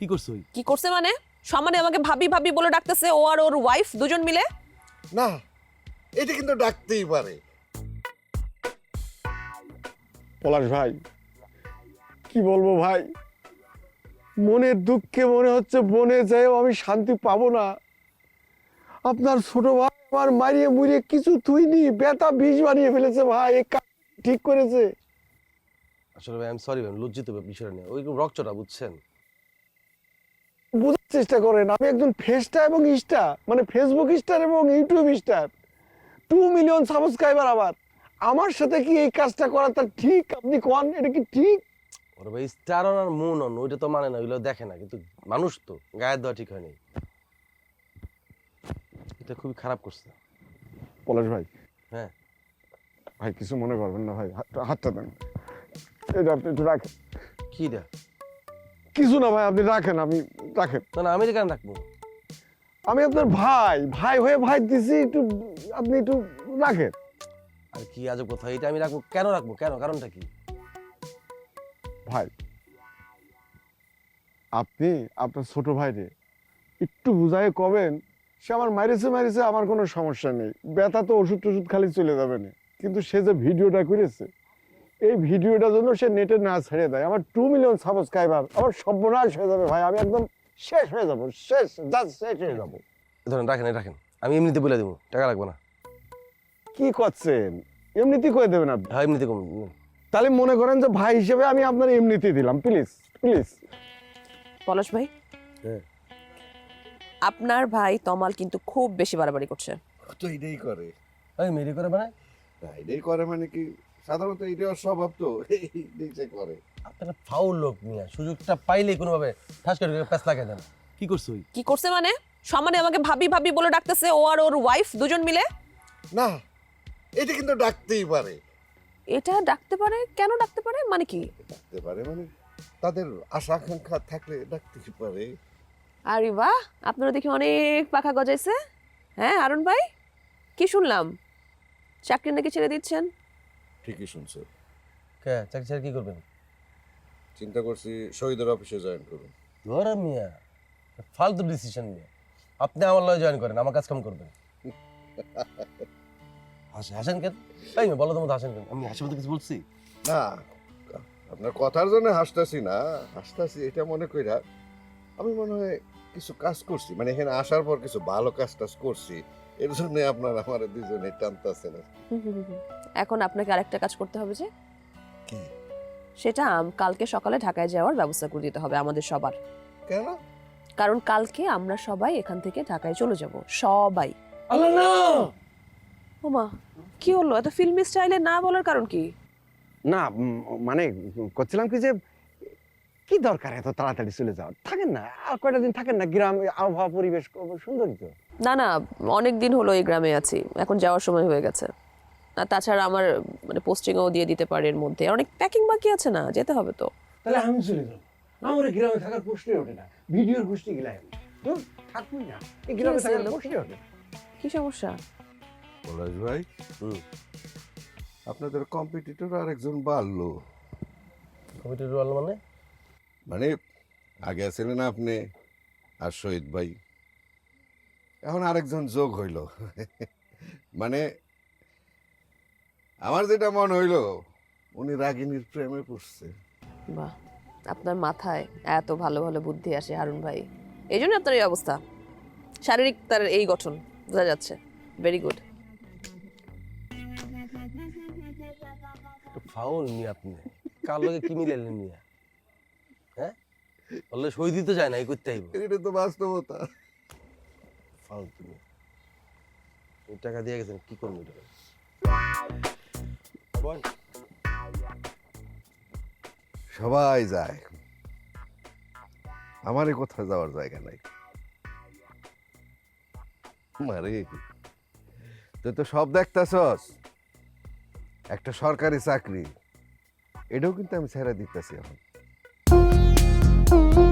কি করছ? কি করছে মানে? সম্মানে আমাকে ভাবি ভাবি বলে ডাকতেছে, ও আর ওর ওয়াইফ দুজন মিলে। না, এটা কিন্তু ডাকতেই পারে। পলাশ ভাই, কি বলবো ভাই, মনের দুঃখে মনে হচ্ছে বনে যাইও আমি শান্তি পাবো না। আপনার ছোট ভাই আমার মারিয়ে মুড়িয়ে কিছু তুইনি, বেতা বিষ বানিয়ে ফেলেছে ভাই। এই কাজ ঠিক করেছে? আসলে ভাই, আই এম সরি ভাই, লজ্জিত বিষয়টা নিয়ে। ওই রকচটা বুঝছেন। বোঝার চেষ্টা করেন, আমি একজন ফেসটা এবং স্টার, মানে ফেসবুক স্টার এবং ইউটিউব স্টার, 2 মিলিয়ন সাবস্ক্রাইবার। আমার সাথে কি এই কাজটা করাটা ঠিক? আপনি কোন, এটা কি ঠিক? ওর ভাই স্টার অন আর মুন অন, ওইটা তো মানে না, ওইগুলো দেখে না, কিন্তু মানুষ তো গায়ের দেওয়া ঠিক হয়নি। এটা খুবই খারাপ করছে। পলাশ ভাই, হ্যাঁ ভাই কিছু মনে করবেন না ভাই, হাতটা দেন, এটা আপনি একটু রাখেন। কি রে? কিছু না ভাই, আপনি রাখেন, আমি রাখেন। না না, আমি কেন রাখবো? আমি আপনার ভাই, ভাই হয়ে ভাই দিছি, একটু আপনি একটু রাখেন। আর কি আজব কথা, এটা আমি রাখবো কেন? রাখবো কেন? কারণটা কি? ভাই, আপনি আপনার ছোট ভাইরে একটু বুঝাই কবেন, সে আমার মারিছে, আমার কোনো সমস্যা নেই, ব্যথা তো ওষুধ টষুধ খালি চলে যাবে না, কিন্তু সে যে ভিডিওটা করেছে, এই ভিডিওটার জন্য সে নেটে না ছেড়ে দেয়, আমার 2 মিলিয়ন সাবস্ক্রাইবার, আমার সর্বনাশ হয়ে যাবে ভাই, আমি একদম শেষ হয়ে যাবো, শেষ হয়ে যাবো। ধরেন, রাখেন রাখেন, আমি এমনিতে বলে দেবো, টাকা লাগবে না। কি করছেন? এমনিতেই করে দেবেন আপনি? হ্যাঁ, এমনিতে কম। তাহলে মনে করেন যে ভাই হিসেবে আমি আপনার এমনিতেই দিলাম, প্লিজ প্লিজ। পলাশ ভাই, হ্যাঁ, আপনার ভাই তমাল কিন্তু খুব বেশি বাড়াবাড়ি করছে। তো এটাই করে। ওই মেরি করে মানে? না, এটাই করে মানে কি, সাধারণত এটাই ওর স্বভাব, তো এইটাই সে করে। আপনারা ফাউল লোক নিয়ে সুযোগটা পাইলেই কোনোভাবে ঠাস করে প্যাঁচ লাগিয়ে দেন। কি করছ? কি করছে মানে? সম্মানে আমাকে ভাবি ভাবি বলে ডাকতেছে, ও আর ওর ওয়াইফ দুজন মিলে। না, এটা কিন্তু ডাকতেই পারে। এটা ডাকতে পারে? কেন ডাকতে পারে মানে কি? ডাকতে পারে মানে তাদের আশা আকাঙ্ক্ষা থাকলে ডাকতেই পারে। আরে বাহ, আপনারা দেখি অনেক পাখা গজাইছে। হ্যাঁ হারুন ভাই, কি শুনলাম চাকরি নাকি ছেড়ে দিচ্ছেন? ঠিকই শুনছো। কে চাকরি ছেড়ে কি করবেন? চিন্তা করছি শহীদের অফিসে জয়েন করুন। ধরে মিয়া, ফালতু ডিসিশন নিয়ে আপনি আমার লয়ে জয়েন করেন, আমার কাজ কাম করবেন। হাসেন কেন? তাই না, বলো তো মতো হাসেন কেন? আমি হাসি মতো কিছু বলছি? না, আপনার কথার জন্য হাসতাছি না, হাসতাছি এটা মনে কইরা আমি মনে হয় কিছু কাজ করছি, মানে এখানে আসার পর কিছু ভালো কাজ টাজ করছি, এর জন্য আপনার আমার দুজনে টানতেছে না। এখন আপনাকে আরেকটা কাজ করতে হবে। যে কি? সেটা কালকে সকালে ঢাকায় যাওয়ার ব্যবস্থা করে দিতে হবে আমাদের সবার। কেন? কারণ কালকে আমরা সবাই এখান থেকে ঢাকায় চলে যাব, সবাই। আল্লাহ না! ওমা, কি হলো? এত ফিল্মি স্টাইলে না বলার কারণ কি? না মানে করছিলাম কি যে, কি দরকার এত তাড়াতাড়ি চলে যাওয়ার? থাকেন না, আর কয়টা দিন থাকেন না, গ্রাম আবহাওয়া পরিবেশ সুন্দরই তো। না না, অনেক দিন হলো এই গ্রামে আছি, এখন যাওয়ার সময় হয়ে গেছে। আর তাছাড়া আমার মানে পোস্টিংও দিয়ে দিতে পারে এর মধ্যে, অনেক প্যাকিং বাকি আছে, না যেতে হবে তো। তাহলে আমি চলে যাবো, আমার গ্রামে থাকার প্রশ্নই ওঠে না, ভিডিওর গোষ্ঠী গেলাই আমি থাকবোই না, এই গ্রামে থাকার প্রশ্নই ওঠে না। কি সমস্যা? পলাশ ভাই, আপনাদের কম্পিটিটর আরেকজন বাড়লো। কমিটির রোল মানে? মানে আগে ছিলেন আপনি আর শহীদ ভাই, এখন আরেকজন যোগ হইল। মানে আমার যেটা মনে হইল, উনি রাগিনীর প্রেমে পড়ছে। বাহ, আপনার মাথায় এত ভালো ভালো বুদ্ধি আসে হারুন ভাই, এই জন্য আপনার এই অবস্থা। শারীরিক তার এই গঠন বোঝা যাচ্ছে। Very good. ফাউল নিয়ে আপনি কার লগে কি মিলাইলেন নিয়ে? হ্যাঁ, বললে সই দিতে যায় না, এই করতে আইব। এটা তো বাস্তবতা। ফালতু নিয়ে। এই টাকা দিয়ে গেছেন, কি করবো এটা? সবাই যায়, আমারই কোথাও যাওয়ার জায়গা নাই। মারে, তুই তো সব দেখতেছস, একটা সরকারি চাকরি, এটাও কিন্তু আমি ছেড়ে দিতেছি এখন।